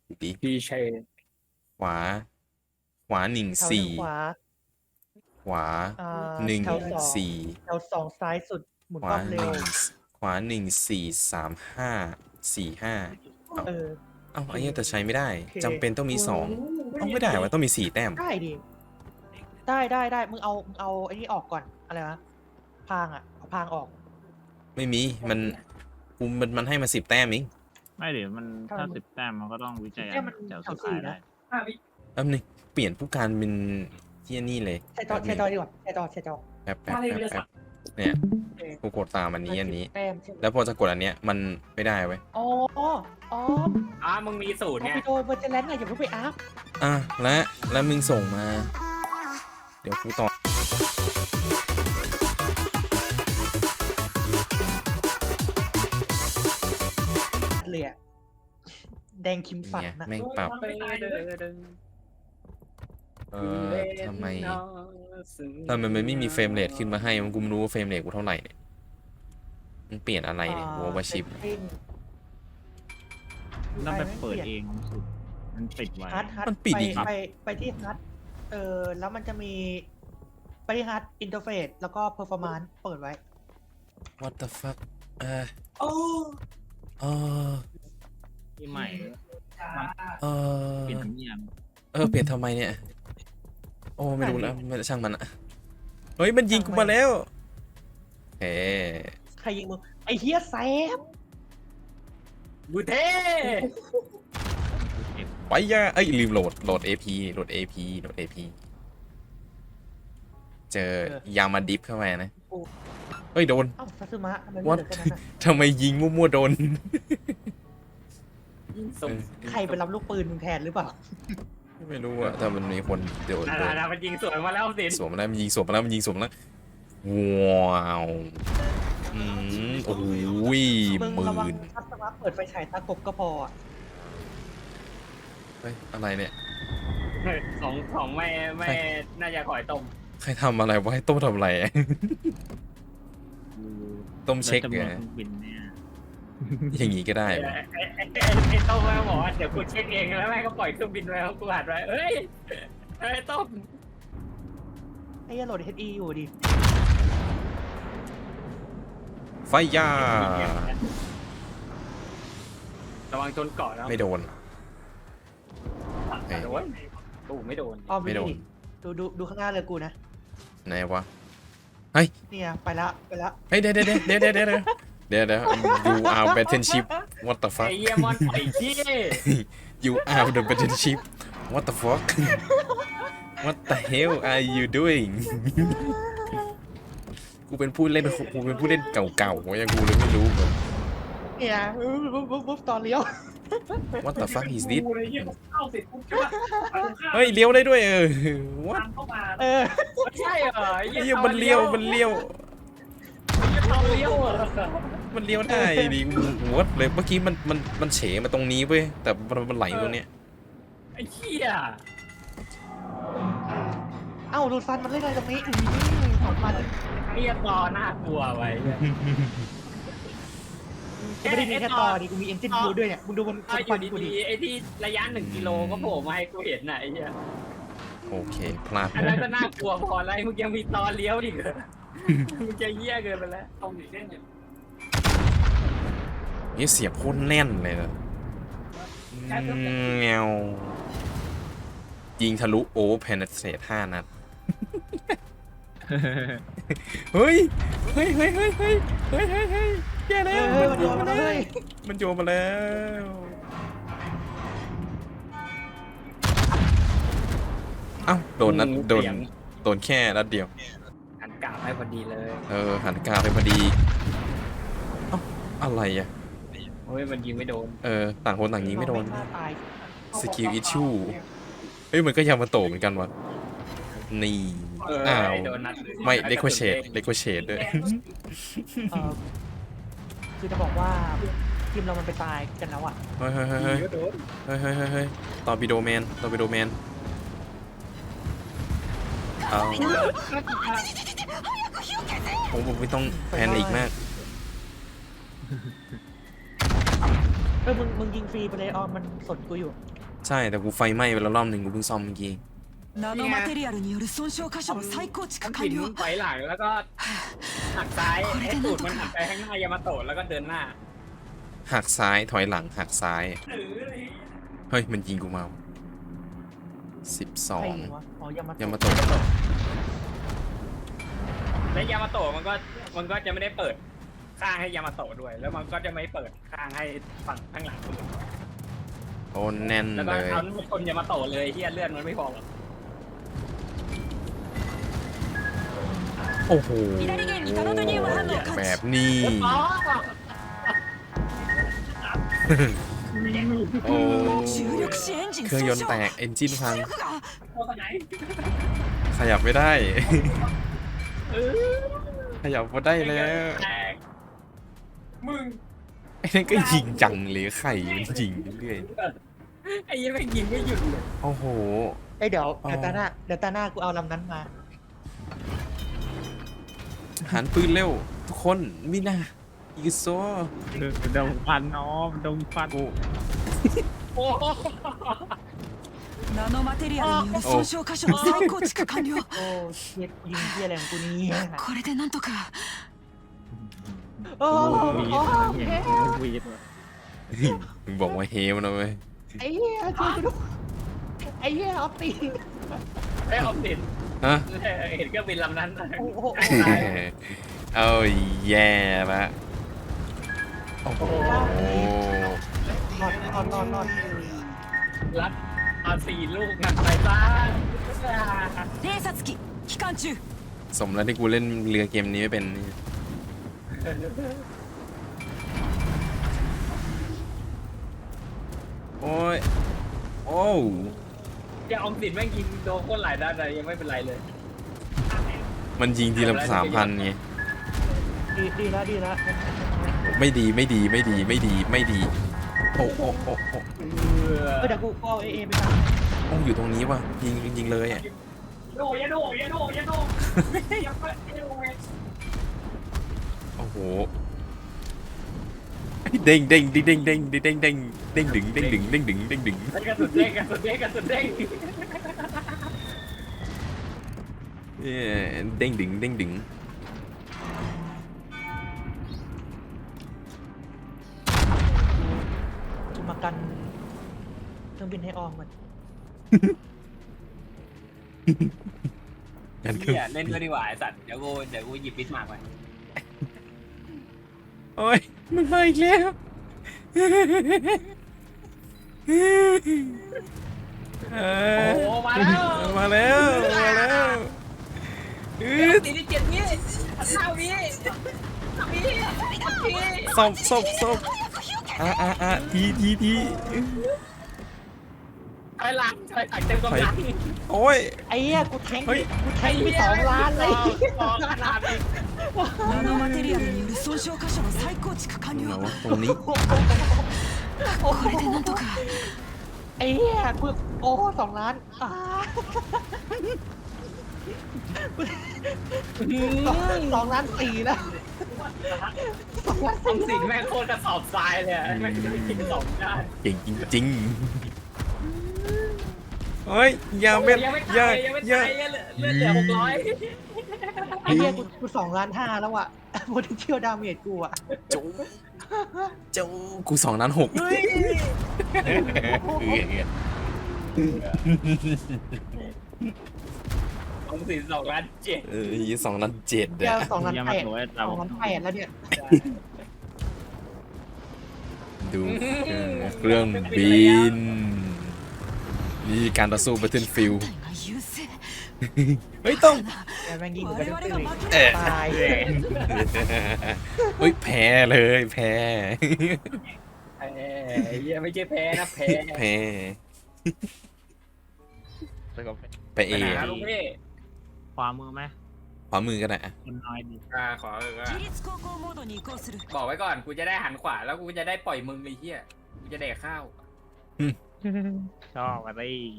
ดิพี่เชยขวา ขวาหนึ่งแถวหนึ่งสี่ขวาขวาหนึ่งแถวสองสี่แถวสองซ้ายสุดหมุนขวาความหเร็วนึ่งขวาหนึ่งสี่สามห้าสี่ห้าเออเอ้าไอ้เหี้ยแต่ใช้ไม่ได้โอเคจำเป็นต้องมีสองต้องไม่ได้วะต้องมีสี่แต้มได้ดิได้มึงเอาไอ้นี่ออกก่อนอะไรวะพางเอาพางออกไม่มีมันให้มา10 แต้มเองไม่เดี๋ยวมันทำไมถ้า10 แต้มมันก็ต้องวิจัยแต้มมันแถวแถสุวดสี่ท้ายได้นะแป๊บนึงเปลี่ยนผู้การเป็นเที่ยนี่เลยใช้จอแป๊บนึงดีกว่าใช้จอแป๊บเนี่ยโอเคกูกดตามอันนี้แต้มใช่ไหมแล้วพอจะกดอันเนี้ยมันไม่ได้เว้ยอ๋อมึงมีสูตรเอาไงไปโดนเบอร์เจแลนด์ไงอย่าเพิ่งไปอัพอ่ะและมึงส่งมา เดี๋ยวกูต่อเลยอะแดงคิมสันเนี่ยนะแม่งปรับทำไมมันไม่มีเฟรมเรทขึ้นมาให้มันกูไม่รู้ว่าเฟรมเรทกูเท่าไหร่เนี่ยมันเปลี่ยนอะไรเนี่ยโววาชิปต้องไปเปิดเองสุดมันปิดไว้ฮัทมันปิดอีกไปที่ฮัทแล้วมันจะมีไปที่ฮัทอินเทอร์เฟซแล้วก็เพอร์ฟอร์มานซ์เปิดไว้ what the fuck โอ้เออที่ใหม่เออเปลี่ยนทั้งอย่างเปลี่ยนทำไมเนี่ย โอ้ไม่รู้แล้วไม่ช่างมันอะเฮ้ยมันยิงกูมาแล้วเฮ้ใครยิงมึงไอ้เฮียแซมบูเท่ไปย่าเอ้ยลืมโหลด AP โหลด AP เจอยามาดิฟเข้าไปนะเฮ้ยโดนเอ้าซาซึมะทำไมไม่ What? เหลือแค่นั้นอะทำไมยิงมั่วๆโดนส่งใครไปรับลูกปืนมึงแทนหรือเปล่าไม่รู้อะแต่มันมีคนโดนนามันยิงสวนมาแล้วสิสวมมาแล้วมันยิงสวมมาแล้วว้าวโอ้ยมึงหมื่ระวังนซาซึมะเปิดไฟฉายตากบก็พออะเฮ้ยอะไรเนี่ยของแม่น่าจะขอยต้มใครทำอะไรวะให้ต้มทำอะไร ต้มเช็คแล้วไงจำนวนเครื่องบินเนี่ยอย่างงี้ก็ได้วะไอ้ต้มแม่บอกว่าเดี๋ยวกูเช็คเองแล้วแม่ก็ปล่อยเครื่องบินไว้แล้วกูหัดไว้เฮ้ยต้มไอ้เหี้ยโหลดเฮดอีอยู่ดิไฟย่าระวังจนเกาะแล้วไม่โดนโดนตู้ไม่โดนอ้อมไม่โดนดูข้างหน้าเลยกูนะไหนวะเนี่ยไปละเฮ้ยเดี๋ยวyou are battleship what the ไอ้ fuck เยี่ยมอนไอ้ขี้ you are the battleship what the fuck what the hell are you doing กูเป็นผู้เล่นเก่าๆยังกูเลยไม่รู้เลยเนี่ยบุ๊บตอนเลี้ยว what the fuck is this เฮ้ยเลี้ยวได้ด้วยwhat ไม่ใช่เหรอเฮ้ยมันเลี้ยวมันเลี้ยวเหรอมันเลี้ยวได้ดิวัดเลยเมื่อกี้มันเฉมาตรงนี้เว้ยแต่มันไหลตรงเนี้ยไอ้เหี้ยเอ้าดูซันมันเล่นอะไรตรงนี้ถอนมันเหี้ยต่อน่ากลัวไว้กูไม่ได้มีแค่ต่อดิกูมีเอนจินบูด้วยเนี่ยมึงดูบนอฟัยู่นกูดิดีๆไอ้ที่ระยะ1 กิโลก็โผล่มาให้กูเห็นน่ะไอ้เหี้ยโอเคพลาดอันนั้นก็น่ากลัวพอแล้วมึงยังมีตอนเลี้ยวดิเหรอมึงจะเหี้ยเกินไปแล้วตรงนี้เล่นอยู่นี่เสียบโคตรแน่นเลยนะเงวยิงทะลุโอเวอร์เพนเทรต5 นัดเฮ้ยแย่แล้วมันโยนมาแล้วเอ้าโดนแค่นัดเดียวหันกลับให้พอดีเลยหันกาไปพอดีเอ้าอะไรอ่ะโอ้ยมันยิงไม่โดนต่างคนต่างยิงไม่โดนฆ่าตายสกิลอิชชูเฮ้ยมันก็ยามาโตะเหมือนกันวะนี่อ้าวโดนนัดเลยไม่เลโคเชดด้วยคือจะบอกว่าทีมเรามันไปตายกันแล้วอ่ะเฮ้ยตอร์ปิโดแมนเอาผมไม่ต้องแพนิคมากมึงยิงฟรีไปเลยออมมันสนกูอยู่ใช่แต่กูไฟไหม้ไปแล้วรอบหนึ่งกูเพิ่งซ่อมเมื่อกี้ナノマテリアルによる損傷箇所の再構築มัน完ผิน了ถอยหลังแล้วก็หักซ้ายให้ตูดมันหักไปข้างหน้ายามาโตะแล้วก็เดินหน้าหักซ้ายถอยหลังหักซ้าย เฮ้ยมันยิงกูมาใคร 12 ยิงวะอ๋อยามายามาโตะและยามาโตะมันก็จะไม่ได้เปิดข้างให้ยามาโตะด้วย แล้วมันก็จะไม่เปิดข้างให้ฝั่งข้างหลังด้วยโอ้แน่นแล้วก็เลยเอาชนยามาโตะเลยเฮียเลื่อนมันไม่พอหรอกโอ้โห左舷にタノトニウム反応を感แบ知บนี้อ๋อโอ้重力子エンジンเครื่อง損ยนต์傷แตกเอนจินพัง力がตัวไหนขยับไม่ได้เออขยับไม่ได้แล้วแตกมึงไอ้นั่นก็ยิงจังเลยไข่มันยิงเรื่อยไอ้ยี่แม่งยิงไม่หยุดเลยโอ้โหเอ้ยเดี๋ยวอ๋อตาหน้ากูเอาลำนั้นมาหันปืนเร็ว ทุกคนมิน่าอีกโซดงฟันน้องดงฟันโอ้โหナノマテリアルによる損傷箇所の再構築完了โอ้เชียยิงเที่ยอะไรของกูเนี่ยこれでなんとかโอ้วีดโอ้เห็นเฮ้ยวีดมึงบอกว่าเฮมนะเว้ยไอ้เหี้ยช่วยกูด้วยไอ้เหี้ยเอาตีนไอ้ออมสินฮะเห็นเครื่องบินลำนั้นโอ้โหเอาแย่ละโอ้โหนอนรัดเอา4 ลูกกันไปซะ偵察機機関中สมแล้วที่กูเล่นเรือเกมนี้ไม่เป็น โอ้ย โอ้อย่าออมสินแม่งยิงโดนคนหลายด้านเลยยังไม่เป็นไรเลยมันยิงทีละ3,000ไงดีแล้วไม่ดีไม่ดีไม่ดีไม่ดีไม่ดี โอ้โอ้โอ้โอ้เดี๋ยวกูเอาเอไปทโอ้อยู่ตรงนี้ว่ะยิงเลยอ่ะโดอย่าโดอย่าโดอย่าโดอย่าไปโดโอ้โหเด้งเด้งเด้งเด้งเด้งเด้งเด้งเด้งดึงเด้งดึงเด้งดึงเด้งดึงกระสุนเด้งกระสุนเด้งกระสุนเด้งเด้งดึงเด้งดึงำกูมากันเครื่องบินให้ออมมันกันคือเฮียเล่นด้วยดีกว่าไอ้สัตว์เดี๋ยวกูหยิบบิสมาร์กไปโอ้ยมันมาอีกแล้วโอ้มาแล้วมาแล้วมาแล้วตีที่7 วิ5 วิศพทีถอยหลังเต็มกำลังโอ้ยไอ้เหี้ยกูแทงเฮ้ยไป2 ล้านเลย 2 ล้านเลยナノマテリアルによる損傷箇所の再構築完ไหน了วะตรงนี้これでなんとかไอ้เหี้ยกูโอ้2 ล้าน2 ล้าน 4แล้ว2 ล้านทำสิ่งแม่งโคตรกระสอบทรายเลยแม่งจะไปกิน2 ด้านเก่งจริงๆเฮ้ยอย่าเม็ดยังไม่อย่าตายยังไม่อย่าตายเลือดเหลือ600 ไอ้เหี้ยกู2 ล้าน 5แล้วอะpotential damage กูอะจูกู2,600,000 เฮ้ย ของสิน2 ล้าน 7 2,700,000 เดี๋ยว2 ล้านยัง 8 มาตัวไอ้เต่า 2 ล้าน 8แล้วเนี่ยดูเครื่องบินนี่การต่อสู้ Battlefield 隊が優勢เฮ้ยต้องแต่แม่งยิงกูไป我เรื่ 々 อยが負けๆตายเฮ้ยแพ้เลยแพ้แพ้เหี้ยไม่ใช่แพ้นะแพ้แพ้ไปเอไปไหนนะลูกพี่ขวามือไหมขวามือก็ได้อะคนน้อยดีขอว่า自立航行モードに移行するบอกไว้ก่อนกูจะได้หันขวาแล้วกูจะได้ปล่อยมึงไอ้เหี้ยกูจะแดกข้าวชอบอะไร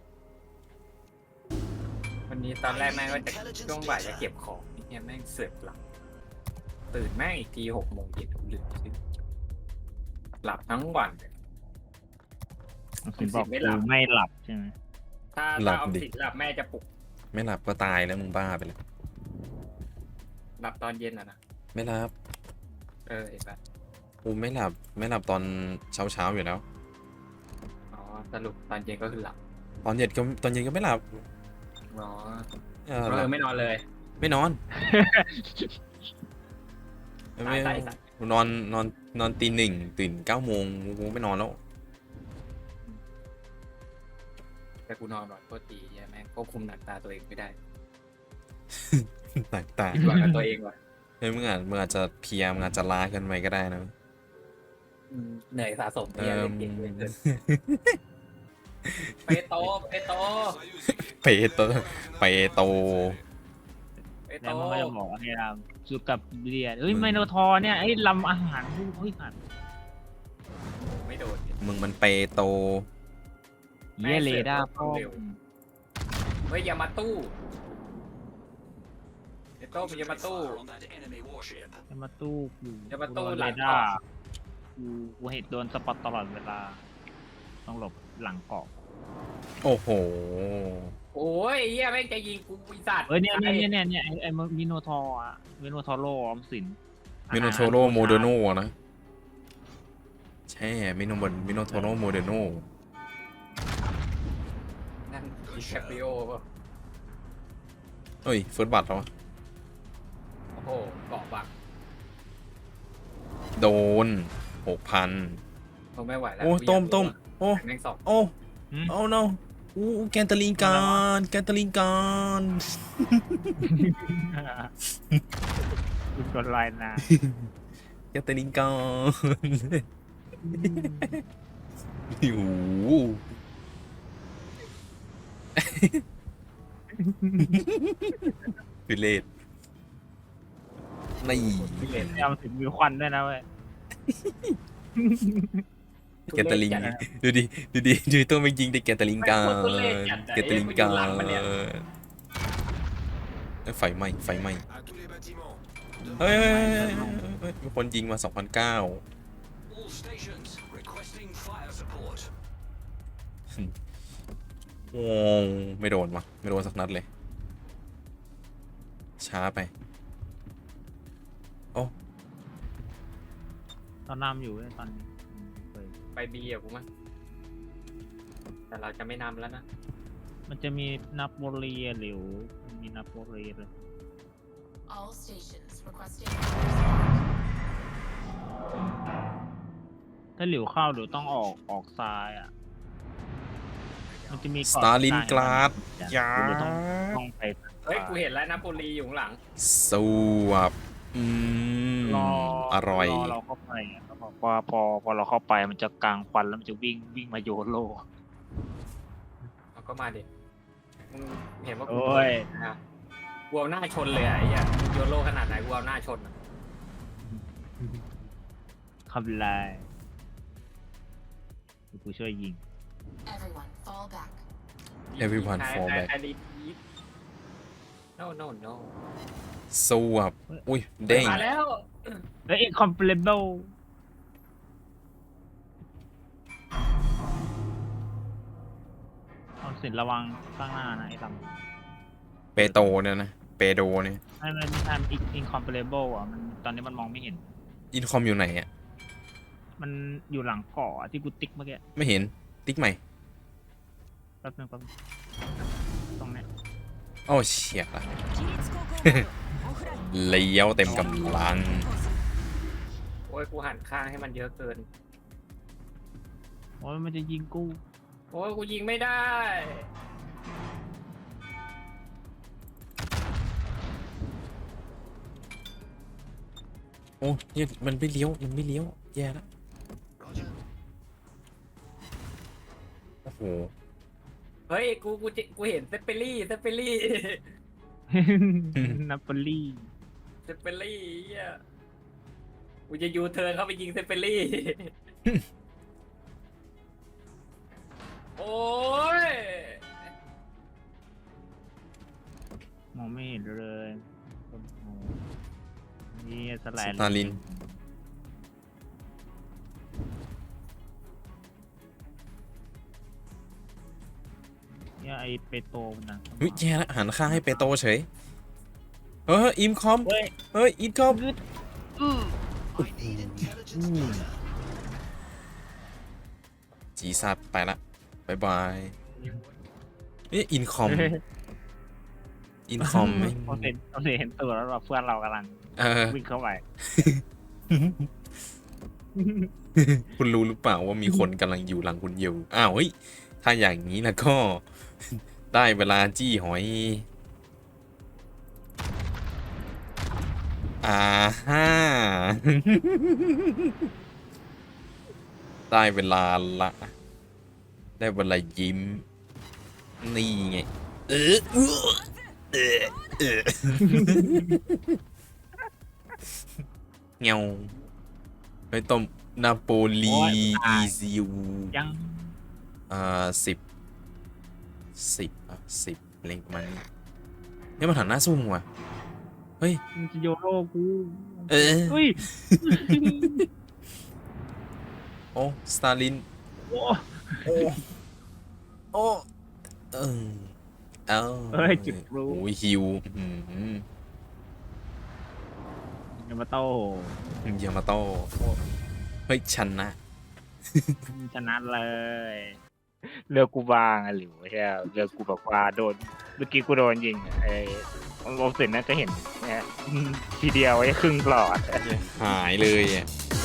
วันนี้ตอนแรกแม่งก็จะช่วงบ่ายจะเก็บของเนี่ยแม่งเสือกหลับตื่นแม่งอีกที6 โมงเย็นหรือหลับทั้งวันสินบอกกูไม่หลับใช่ไหมถ้าหลัถ้าบออมดิสินหลับแม่จะปลุกไม่หลับก็ตายแล้วมึงบ้าไปเลยหลับตอนเย็นนะไม่หลับเห็นปะกูไม่หลับตอนเช้าอยู่แล้วอ๋อสรุปตอนเย็นก็คือหลับตอนเย็นก็ไม่หลับอ๋อหลับไม่นอนเลยไม่นอนตายตายตายนอนตี 1ตื่น9 โมงกูไม่นอนแล้วแต่กูนอนหน่อยโคตรดีแม่งควบคุมหนักตาตัวเองไม่ได้ต่างผิดหวังกับตัวเองว่ะๆเฮ้ยมึงอาจจะเพลียมึงอาจจะล้าเกินไปก็ได้นะเหนื่อยสะสมเอเนี่ยอเล่นเกมเล่นเกินไปโตไปโตเปโตเปโตไปโตแล้วมันก็จะบอกว่าให้เราจูกับเรียนเฮ้ยไมโนทอร์เนี่ยไอ้ลำอาหารกูเฮ้ยหันไม่โดนมึงมันเปโตเย่เลด้าพ่อเฮ้ยอย่ามาตู้ไอโต้มึงอย่ามาตู้จะมาตู้กูจะมาตู้โดนหลัเรงเกาะด้ากูเห็นโดนสปอตตลอดเวลา ต้องหลบหลังเกาะโอ้โหโอ้ยเฮียแม่งจะยิงกูปีศาจเฮ้ยเนี่ยไอ้มิโนทอร์อะมิโนทอโรออมสินมิโนโทโรโมเดโนนะ ใช่มิโนโทโรโมเดโนนั่นดิแคปริโอป่ะเฮ้ยเฟิร์สบัตเหรอโอ้โหเกาะบักโดน 6,000 ผมไม่ไหวแล้วโอ้ต้มโอ้แม่งสองโอ้โอ้ no อู้แกนตาลิงการแกนตาลิงการคุณกดไลน์นะแกนตาลิงการโอ้โหคือเลดนี่ยอมถึงมีควันด้วยนะเว้ยแกนตาลิงดูดิตัวมันยิงแต่แกนตาลิงการแกนตาลิงการไฟไหม้เฮ้ยมีคนยิงมา 2,900โอ้ไม่โดนวะไม่โดนสักนัดเลย ช้าไป โอ้ตอนนำอยู่เว้ยตอนนี้เคยไปบีอะกูมั้งแต่เราจะไม่นำแล้วนะมันจะมีนับโบเรียหรือมีนับโบเรียเลย All stations requesting ถ้าหลิวเข้าหลิวต้องออกซ้ายอ่ะ มันจะมีสตาลินกราดยาหลิวต้องไปเฮ้ยกูเห็นแล้วนะโปลีอยู่ข้างหลังสวบอร่อยรอเราเข้าไปอะแล้วบอกว่าพอเราเข้าไปมันจะกลางควันแล้วมันจะวิ่งมาโยนโลเอาก็มาดิมึงเห็นว่ากูโอ้ยนะกูเอาหน้าชนเลยอะไอ้เหี้ยโยโลขนาดไหนกูเอาหน้าชนอะทำลายกูช่วยยิง everyone fall back. Everyone fall back ไอ้ดีด no no สวบอุ้ยเด้งมาแล้วแล้ว incomparable เอาสินระวังข้างหน้านะไอ้ลำเปโตเนี่ยนะ เปโดเนี่ยไม่ใช่ incomparable อ่ะมันตอนนี้มันมองไม่เห็นอินคอมอยู่ไหนอ่ะมันอยู่หลังเกาะอะที่กูติ๊กเมื่อกี้ไม่เห็น ติ๊กใหม่แป๊บนึงตรงเนี้ยโอ้เชี่ยละ規律高校オフラインเลี้ยวเต็มกำลังโอ้ยกูหันข้างให้มันเยอะเกินโอ้ยมันจะยิงกูโอ้ยกูยิงไม่ได้โอ้ยมันไม่เลี้ยวแย่แล้วโอ้โหเฮ้ยกูเห็นเซปเปอรี่นาโปลีเซปเปอรี่เหี้ยกูจะยูเทิร์นเข้าไปยิงเซปเปอรี่ โอ้ยมองไม่เห็นเลยโอ้โหนี่สไลด์สตาลินเนี่ยไอเปโตมันนะเฮ้ยแย่ละหันข้างให้เปโตเฉยอิมคอมเฮ้ยเฮ้ยอินคอม จีซัดไปละบายบายอินคอมอินคอมไม่เราเห็นตัวแล้วเราเพื่อนเรากำลังวิ่งเข้าไปคุณรู้หรือเปล่าว่ามีคนกำลังอยู่หลังคุณอยู่อ้าวเฮ้ยถ้าอย่างนี้แล้วก็ ได้เวลาจี้หอยฮ่า ได้เวลาละได้เวลายิ้มนี่ไงเงาไปต้มนาโปลีอีซิวยัง 10อะไรประมาณนี้เนี่ยมันหันหน้าสู้มึงว่ะเฮ้ยมึงจะโยโร่กูเฮ้ย โอ้สตาลินโอ้โอ้เอ้ยจุดรู้โอ้ยฮิวยามาโต้ยามาโต้เฮ้ยชนะชนะเลยเรือกูบางอะหรือใช่เรือกูแบบว่าโดนเมื่อกี้กูโดนยิงไอ้โอสินน่าจะเห็นเนี่ยทีเดียวไอ้ครึ่งหลอดหายเลยอ่ะ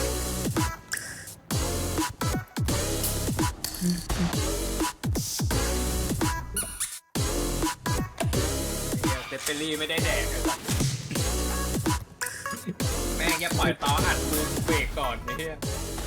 เซปเปอรี่ไม่ได้แดกเลยสัตว์แม่งแค่ปล่อยต่ออัดมือเบรกก่อนไอ้เหี้ย